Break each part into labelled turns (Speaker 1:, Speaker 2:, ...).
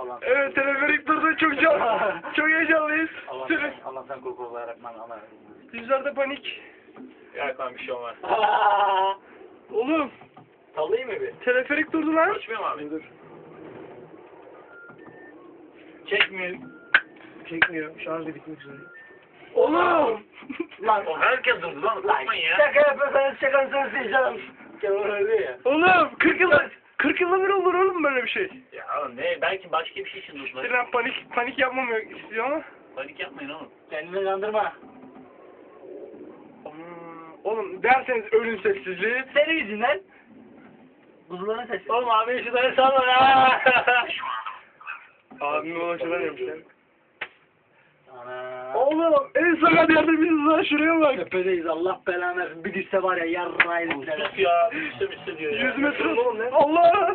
Speaker 1: Allah.
Speaker 2: Evet, teleferik durdu, çok heyecanlıyız.
Speaker 1: Allah'tan korku olarak Allah.
Speaker 2: Yüzlerde panik.
Speaker 3: Ya tamam bir şey olmaz.
Speaker 2: Oğlum,
Speaker 1: Sallayayım mı bir?
Speaker 2: teleferik durdu lan.
Speaker 3: Açmıyor mu abi?
Speaker 2: Dur.
Speaker 1: Çekmiyor.
Speaker 2: Çekmiyor, şarjı bitmek üzere. Oğlum!
Speaker 1: Lan
Speaker 3: O herkes durdu lan. Korkmayın ya.
Speaker 1: şaka yapıyorsanız şakanızı diyeceğim. Kemal öyle ya.
Speaker 2: Oğlum, 40 yılda bir olur oğlum böyle bir şey.
Speaker 3: Ya oğlum ne? Belki başka bir şey için durdular.
Speaker 2: Sinan panik yapmamı istiyor ama.
Speaker 3: Panik yapmayın oğlum.
Speaker 1: Kendini kandırma.
Speaker 2: Oğlum derseniz ölüm sessizliği.
Speaker 1: Senin yüzünden. Kuzuların sesi.
Speaker 3: Oğlum abi şunları salla ya.
Speaker 2: Abime ulaşılamıyormuş ya.
Speaker 1: Ana.
Speaker 2: Oğlum en sakat yerde biziz lan, şuraya bak.
Speaker 1: Tepedeyiz Allah belanı versin. Bir düşse var ya yarrağıydı.
Speaker 3: Sus ya. Bir şey diyor ya.
Speaker 2: 100 metre. Allah!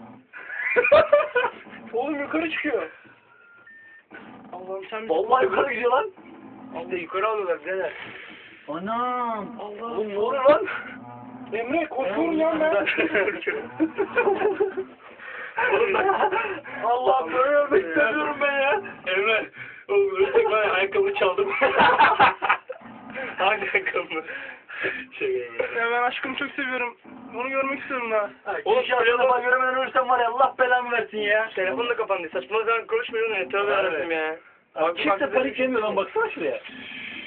Speaker 2: Oğlum yukarı çıkıyor. Allah'ım sen
Speaker 1: Vallahi yukarı gidiyor lan.
Speaker 2: İşte yukarı alıyorlar birader.
Speaker 1: Anam.
Speaker 2: Allah.
Speaker 1: Oğlum ne oluyor lan?
Speaker 2: Emre korkuyorum ya ben.
Speaker 1: Allah böyle ölmek istemiyorum ben ya.
Speaker 3: Emre. Oğlum ölsek var ya ayakkabı çaldım. Hangi ayakkabı?
Speaker 2: Ya ben aşkımı çok seviyorum. Onu görmek istiyorum daha.
Speaker 1: Oğlum şansına bak göremeden ölürsem var ya Allah belamı versin ya.
Speaker 2: Telefon da kapandı. Saçma zaman konuşmuyor ne? Tövbe yarabbim ya.
Speaker 1: Kimse panik yemiyor lan baksana şuraya.